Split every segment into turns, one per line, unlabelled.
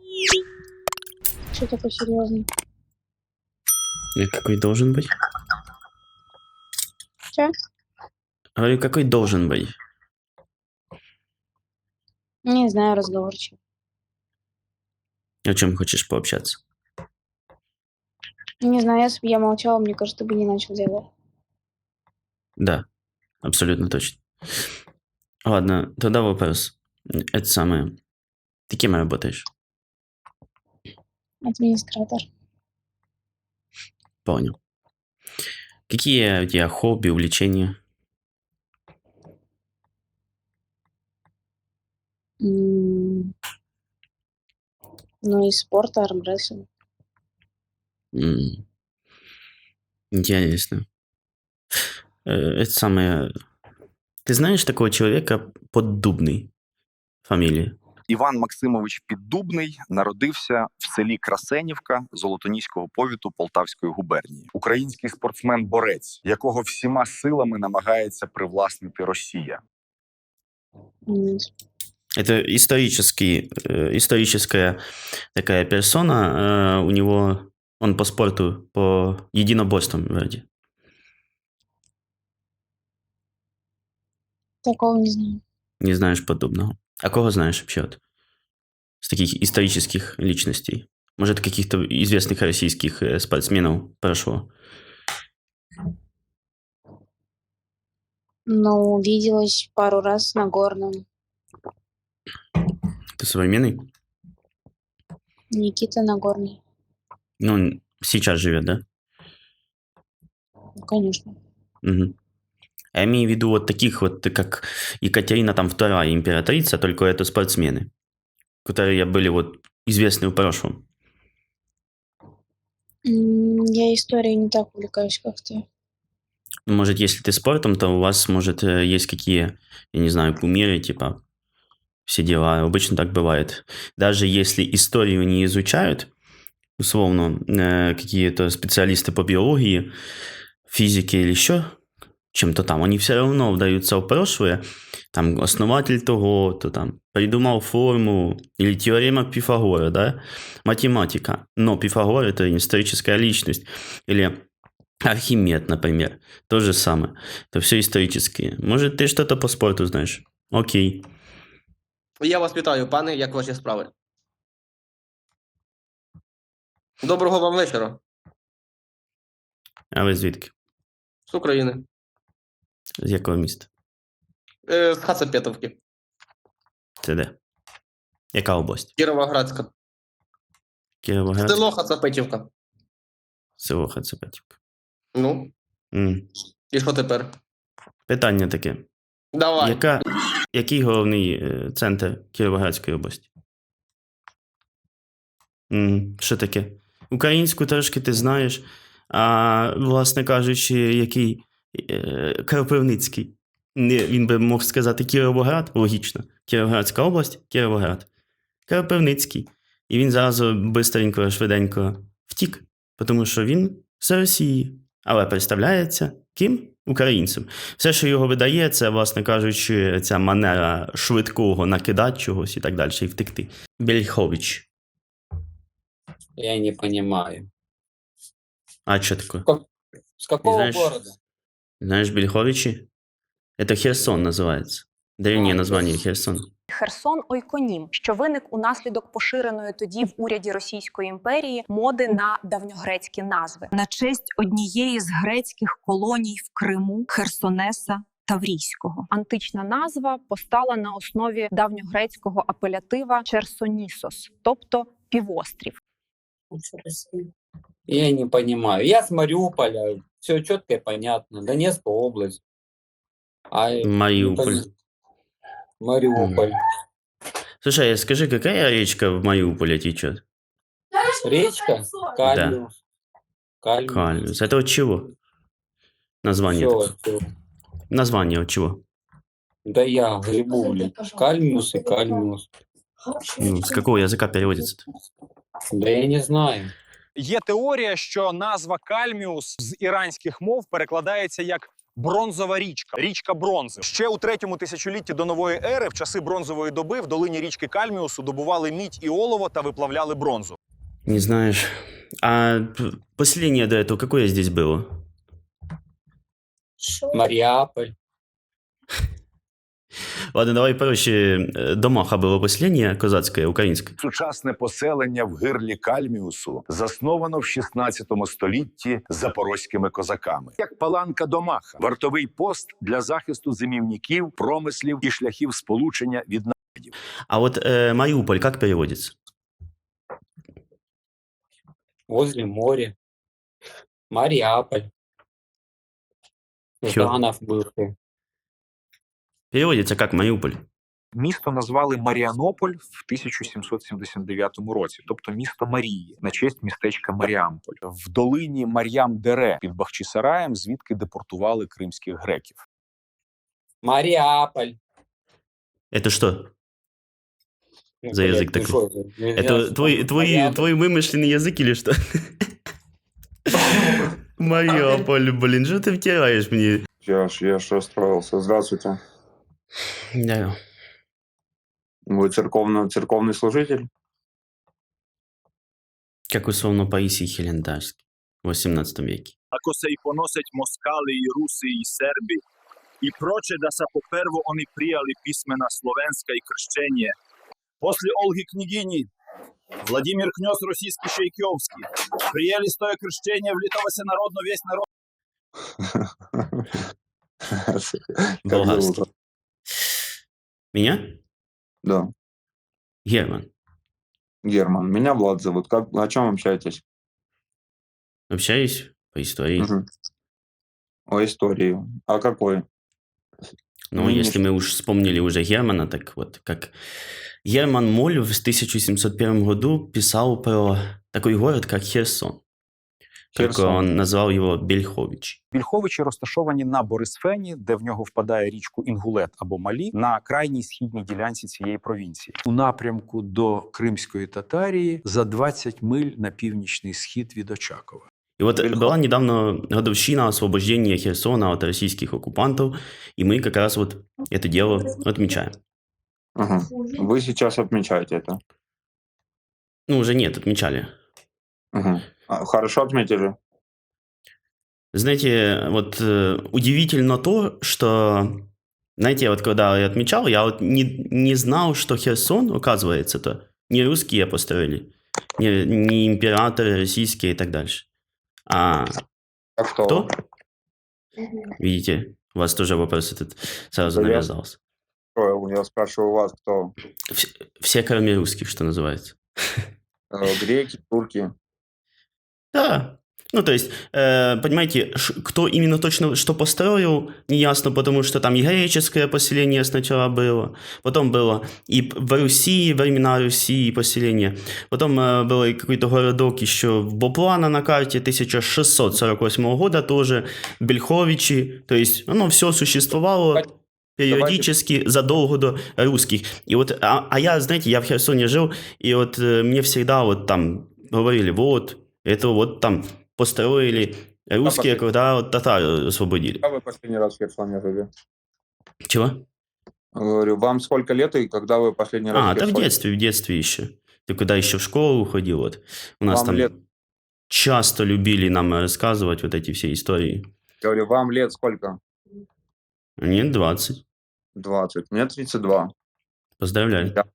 Что такое серьезный?
Какой должен быть?
Че?
Говорю, какой должен быть?
Не знаю, разговорчик.
О чем хочешь пообщаться?
Не знаю, если бы я молчала, мне кажется, ты бы не начал делать.
Да, абсолютно точно. Ладно, тогда вопрос. Это самое. Ты кем работаешь?
Администратор.
Понял. Какие у тебя хобби, увлечения?
Ну и спорт, армрестлинг.
Интересно. Это самое... Ты знаешь такого человека Поддубный? Фамилия?
Іван Максимович Піддубний народився в селі Красенівка Золотоніського повіту Полтавської губернії. Український спортсмен-борець, якого всіма силами намагається привласнити Росія.
Это историческая такая персона. У него... Он по спорту, по единоборствам вроде.
Такого не знаю.
Не знаешь Поддубного. А кого знаешь вообще вот? С таких исторических личностей? Может, каких-то известных российских спортсменов прошло?
Ну, виделась пару раз на горном.
Ты современный?
Никита Нагорный.
Ну, он сейчас живет, да?
Ну, конечно.
Угу. Я имею в виду вот таких вот, как Екатерина там II императрица, только это спортсмены, которые были вот известны в прошлом.
Я историей не так увлекаюсь, как ты.
Может, если ты спортом, то у вас, может, есть какие, я не знаю, кумиры, типа, все дела. Обычно так бывает. Даже если историю не изучают, условно, какие-то специалисты по биологии, физике или еще чем-то там, они все равно вдаются в прошлое. Там основатель того, то там придумал формулу или теорема Пифагора, да, математика. Но Пифагор – это историческая личность. Или Архимед, например. То же самое. Это все исторические. Может, ты что-то по спорту знаешь? Окей.
Я вас вітаю, пане, як ваші справи? Доброго вам вечора.
А ви звідки?
З України.
З якого міста?
З Хацапетовки.
Це де? Яка область?
Кіровоградська.
Кіровоград?
Село Хацапетівка.
Село Хацапетівка.
Ну, і що тепер?
Питання таке.
Давай.
Який головний центр Кіровоградської області? Що таке? Українську трошки ти знаєш, а, власне кажучи, який Кропивницький. Він би мог сказати Кіровоград, логічно. Кіровоградська область, Кіровоград. Кропивницький. І він зразу бистренько, швиденько втік, тому що він з Росії. Але представляється ким? Українцем. Все, що його видає, це, власне кажучи, ця манера швидкого накидати чогось і так далі, і втекти. Бельхович.
Я не понимаю.
А что такое?
С какого
Знаешь,
города?
Знаешь Бельховичи? Это Херсон называется. Древнее название Херсон.
Херсон – ойконім, що виник унаслідок поширеної тоді в уряді Російської імперії моди на давньогрецькі назви.
На честь однієї з грецьких колоній в Криму – Херсонеса Таврійського.
Антична назва постала на основі давньогрецького апелятива Черсонісос, тобто півострів.
Я не понимаю. Я с Мариуполя. Все четко и понятно. Донецкая область.
Мариуполь.
Мариуполь.
Слушай, скажи, какая речка в Мариуполе течет?
Речка? Кальмиус.
Да. Кальмиус. Это от чего? Название
Всё,
такое.
всё.
Название от чего?
Да я грибу, блин. Кальмиус и кальмиус.
С какого языка переводится-то?
Да я не знаю.
Є теорія, що назва Кальміус з іранських мов перекладається як Бронзова річка, річка бронзи. Ще у третьому тисячолітті до нової ери, в часи бронзової доби, в долині річки Кальміусу добували мідь і олово та виплавляли бронзу.
Не знаешь. А поселение до этого какое здесь было?
Мариаполь.
Ладно, давай проще. Домаха было поселение козацкое, украинское.
Сучасне поселення в гирлі Кальміусу засновано в 16 столітті запорозькими козаками. Як паланка Домаха – вартовий пост для захисту зимівників, промислів і шляхів сполучення від нападів.
А вот Мариуполь как переводится?
Возле моря. Мариаполь.
Чё?
Жданов бывший.
Переводится как Мариуполь.
Місто назвали Маріанополь в 1779 році, тобто місто Марії, на честь містечка Маріамполь.
В долині Мар'ям-Дере під Бахчисараєм, звідки депортували кримських греків.
Мариаполь.
Это что?
Ну,
За
блядь,
язык
ну
такой.
что это?
Это твой вымышленный язык или что? Мариуполь, блин, что ты втираешь мне?
Я ж расстроился. Здравствуйте.
Да.
Вы церковный служитель?
Как условно Паисий Хелендарский в 18 веке.
Ако се и поносить москали и руси и серби, и проче да са поперво они прияли писмена словенска и крщение. После Олги княгини, Владимир князь российский Шейкиовский, прияли стоя крещение, влитало се народно весь народ.
Как
Болгарский.
зовут?
Меня?
Да,
Герман.
Герман. Меня Влад зовут. О чем общаетесь?
Общаюсь по истории.
Мгм. О истории. А какой?
Но
Нынешний.
если мы уж вспомнили уже Германа, так вот, как Герман Моль в 1701 году писал про такой город, как Херсон. Только
Херсон.
он назвал его Бельхович.
Більховичі розташовані на Борисфені, де в нього впадає річку Інгулет або Малі, на крайній східній ділянці цієї провінції.
У напрямку до Кримської Татарії за 20 миль на північний схід від Очакова.
И вот
Бельхов-
была недавно годовщина освобождения Херсона от российских оккупантов, и мы как раз вот это дело отмечаем.
Ага. Вы сейчас отмечаете это.
Ну, уже нет, отмечали.
Ага. Хорошо отметили.
Знаете, вот удивительно то, что, знаете, вот когда я отмечал, я вот не знал, что Херсон, оказывается-то, не русские построили, не императоры российские и так дальше. А
А кто?
кто? Видите, у вас тоже вопрос этот сразу
Да я-
навязался.
Я спрашиваю вас, кто?
Все, кроме русских, что называется.
Греки, турки.
Да. Ну, то есть, понимаете, кто именно точно что построил, неясно, потому что там и греческое поселение сначала было, потом было и в Руси, времена Руси поселение, потом был и какой-то городок еще в Боплана на карте 1648 года тоже, Бельховичи, то есть оно все существовало периодически задолго до русских. И вот, а я, знаете, я в Херсоне жил, и вот мне всегда вот там говорили, вот, это вот там построили русские, когда вот татар освободили.
Когда вы последний раз в Херсоне жили?
Чего?
Говорю, вам сколько лет и когда вы последний раз
А,
в
да
Херсоне?
в детстве еще. Ты когда еще в школу ходил, вот. У нас
Вам
там
лет?
часто любили нам рассказывать вот эти все истории.
Говорю, вам лет сколько?
Мне 20.
20. Мне 32.
Поздравляю.
Я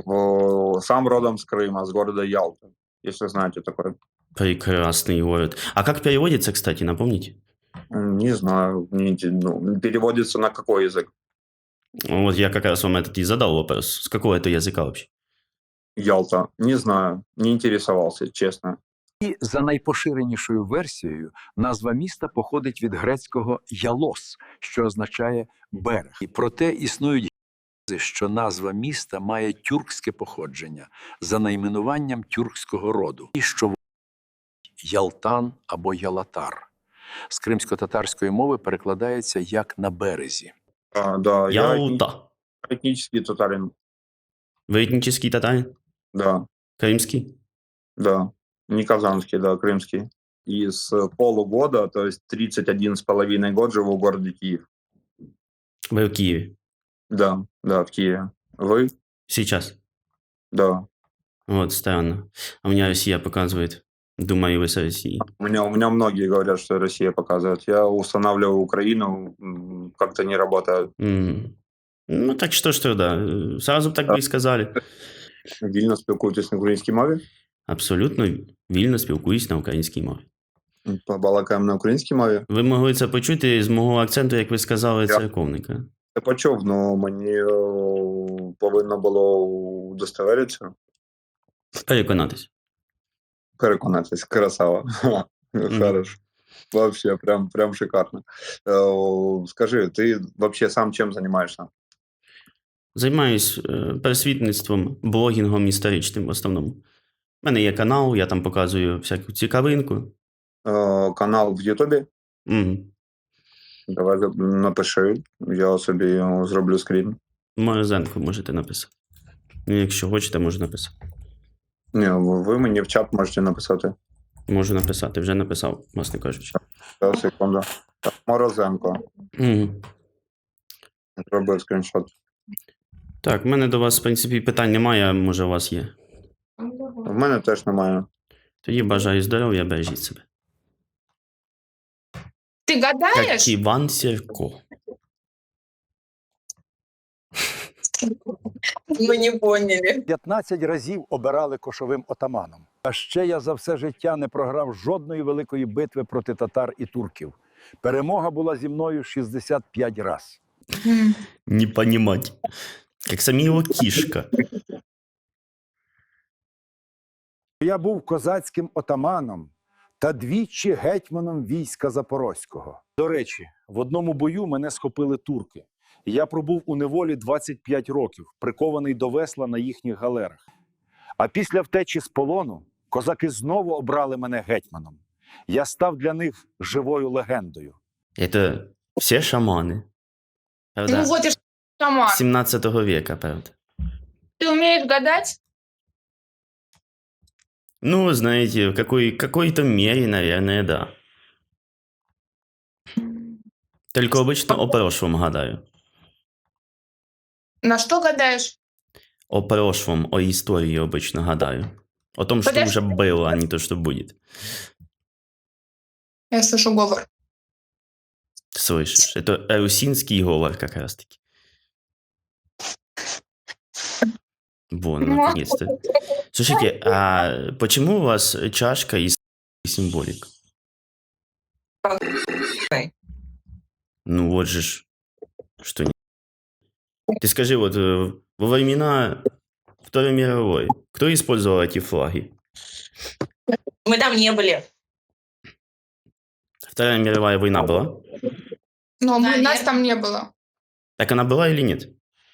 сам родом с Крыма, с города Ялта, если знаете такое.
Прекрасный город. А как переводится, кстати, напомните?
Не знаю, переводится на какой язык?
Вот я как раз вам этот и задал вопрос. С какого это языка вообще?
Ялта. Не знаю, не интересовался, честно.
І за найпоширенішою версією, назва міста походить від грецького «ялос», що означає «берег». І проте існують гіпотези, що назва міста має тюркське походження за найменуванням тюркського роду, і що Ялтан або Ялатар. З кримсько-татарської мови перекладається як «на березі».
Да, я
Ялта.
этнический татарин.
Вы этнический татарин?
Да,
Крымский?
да. Не казанский, да, крымский. и с полугода, то есть 31,5 год живу в городе Киев.
Вы в Киеве
Да, да, в Киеве. Вы?
сейчас?
Да.
Вот, странно. А у меня Россия показывает. Думаю, вы с России.
У меня многие говорят, что Россия показывает. Я устанавливаю Украину, как-то не работает.
Ну, так что, да. Сразу так бы і сказали.
Вільно спілкуєтесь на українській мові?
Абсолютно вільно спілкуюсь на українській мові.
Побалакаємо на українській мові?
Ви могли це почути з мого акценту, як ви сказали, церковника.
Я почув, але мені повинно було удостоверитися.
Переконатись.
Переконатись. Красава. Хорошо. Вообще, прям шикарно. Скажи, ти вообще сам чим займаєшся?
Займаюсь просвітництвом, блогінгом історичним в основному. У мене є канал, я там показую всяку цікавинку.
Канал в Ютубі? Давай напиши, я собі зроблю скрін.
Морозенко можете написати. Ну, якщо хочете, можу написати.
Ні, ви мені в чат можете написати.
Можу написати, вже написав, власне кажучи.
Зараз, секунду. Так, Морозенко. Зробив скріншот.
Так, в мене до вас, в принципі, питань немає, а може у вас є.
В мене теж немає.
Тоді бажаю здоров'я, бережіть себе.
Ты гадаешь?
Як Іван Сірко.
Мы не поняли.
15 разів обирали кошовим отаманом. А ще я за все життя не програв жодної великої битви проти татар і турків. Перемога була зі мною 65 раз.
Не понімать. Як Саміло Кішка.
Я був козацьким отаманом та двічі гетьманом війська Запорозького. До речі, в одному бою мене схопили турки. Я пробув у неволі 25 років, прикований до весла на їхніх галерах. А після втечі з полону козаки знову обрали мене гетьманом. Я став для них живою легендою.
Це всі шамани. Правда?
Ну вот и шаман.
17 века, правда.
Ты умеешь гадать?
Ну, знаете, в какой-то мере, наверное, да. Только обычно о прошлом гадаю.
На что гадаешь?
О прошлом, о истории обычно гадаю. О том, что
Подожди.
уже было, а не то, что будет.
Я слышу говор.
Слышишь? Это русинский говор как раз-таки. Вон, наконец-то. Слушайте, а почему у вас чашка и символик? Ну вот же ж. Что не... Ты скажи, вот во времена Второй мировой, кто использовал эти флаги?
Мы там не были.
Вторая мировая война была?
Но нас там не было.
Так она была или нет?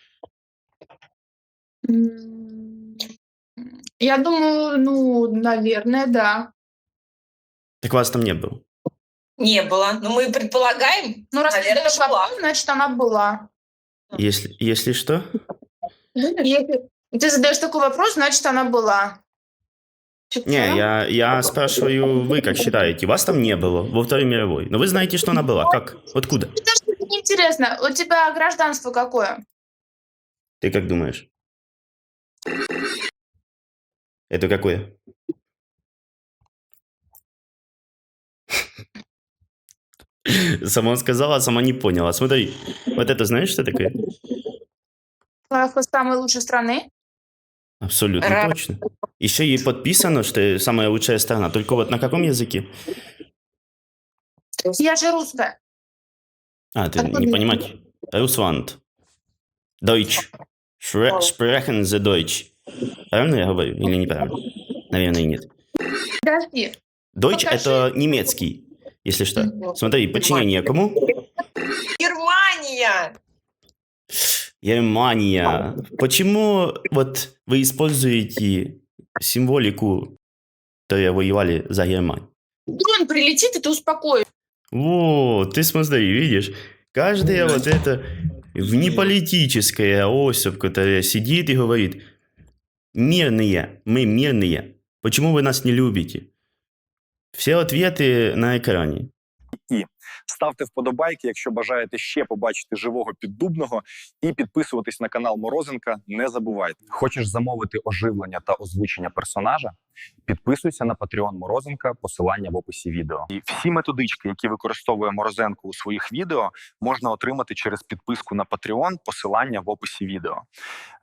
Я думаю, наверное, да.
Так вас там не было.
Не было. Но мы предполагаем. Ну, раз ты задаешь вопрос, значит, она была.
Если что?
Если ты задаешь такой вопрос, значит, она была.
Не, я спрашиваю, вы как считаете? Вас там не было во Второй мировой. Но вы знаете, что она была. Как? Откуда?
Это интересно. У тебя гражданство какое?
Ты как думаешь? Это какое? Сама сказала, сама не поняла. Смотри, вот это знаешь, что такое?
Флаг самой лучшей страны?
Абсолютно точно. Еще и подписано, что самая лучшая страна. Только вот на каком языке?
Я же русская.
А, ты не понимаешь? Русланд. Deutsch. Sprechen Sie Deutsch. Правильно я говорю или неправильно? Наверное, нет.
Подожди.
Deutsch —
Покажи.
это немецкий, если что. Смотри, подчинение кому?
Германия!
Германия. Почему вот вы используете символику, которая воевали за Германию?
Дрон прилетит, и ты успокоишь.
Вот, ты смотри, видишь, каждая вот эта внеполитическая особь, которая сидит и говорит: мирные, мы мирные, почему вы нас не любите? Все ответы на экране.
І ставте вподобайки, якщо бажаєте ще побачити живого Піддубного, і підписуватись на канал Морозенка не забувайте. Хочеш замовити оживлення та озвучення персонажа? Підписуйся на Patreon Морозенка, посилання в описі відео. І всі методички, які використовує Морозенко у своїх відео, можна отримати через підписку на Patreon, посилання в описі відео.